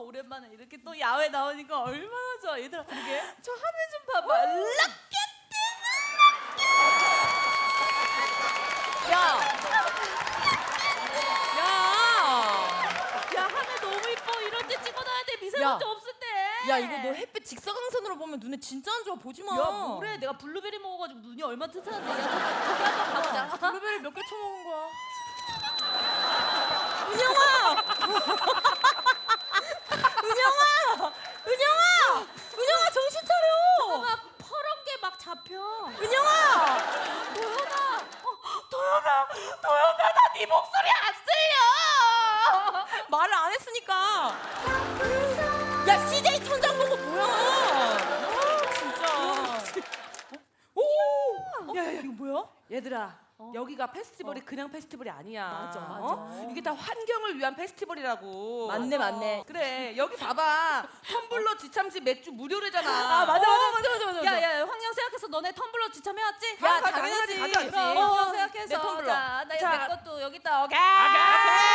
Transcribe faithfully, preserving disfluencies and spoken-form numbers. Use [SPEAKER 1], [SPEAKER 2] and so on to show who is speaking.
[SPEAKER 1] 오랜만에 이렇게 또 야외 나오니까 얼마나 좋아. 얘들아, 그러게. 저 하늘 좀 봐봐. 락켓!
[SPEAKER 2] 야! 야!
[SPEAKER 1] 야, 하늘 너무 이뻐. 이럴 때 찍어놔야 돼. 미세먼지
[SPEAKER 2] 야.
[SPEAKER 1] 없을 때.
[SPEAKER 2] 야, 이거 너 햇빛 직사광선으로 보면 눈에 진짜 안 좋아. 보지 마.
[SPEAKER 1] 야, 뭐래. 내가 블루베리 먹어가지고 눈이 얼마나 튼튼한데. 야, 저기, 저기 한번 가보자.
[SPEAKER 2] 블루베리 몇 개 처먹은 거야? 은영아! 은영아! 은영아! 은영아, 정신 차려!
[SPEAKER 1] 잠깐만, 퍼런 게 막 잡혀.
[SPEAKER 2] 은영아!
[SPEAKER 1] 도연아! 어, 도연아! 도연아, 나 네 목소리 안 들려!
[SPEAKER 2] 말을 안 했으니까. 야, 씨제이 천장 보고 뭐야? 아, 진짜. 오! 야, 야, 이거 뭐야?
[SPEAKER 3] 얘들아,
[SPEAKER 1] 어?
[SPEAKER 3] 여기가 페스티벌이
[SPEAKER 1] 어.
[SPEAKER 3] 그냥 페스티벌이 아니야.
[SPEAKER 1] 맞아, 맞아.
[SPEAKER 3] 어? 이게 다 환경을 위한 페스티벌이라고.
[SPEAKER 2] 맞네, 맞네.
[SPEAKER 3] 그래, 여기 봐봐. 텀블러 지참시 맥주 무료래잖아.
[SPEAKER 2] 아, 맞아, 맞아, 맞아, 맞아, 맞아.
[SPEAKER 1] 야, 야, 환경 생각해서 너네 텀블러 지참해왔지?
[SPEAKER 2] 야,
[SPEAKER 3] 아,
[SPEAKER 2] 당연하지.
[SPEAKER 3] 당연하지. 가져왔지.
[SPEAKER 1] 그럼
[SPEAKER 2] 어,
[SPEAKER 1] 환경 생각해서.
[SPEAKER 2] 내 텀블러.
[SPEAKER 1] 자, 나
[SPEAKER 3] 자.
[SPEAKER 1] 내 것도 여기 있다. 오케이.
[SPEAKER 3] 오케이.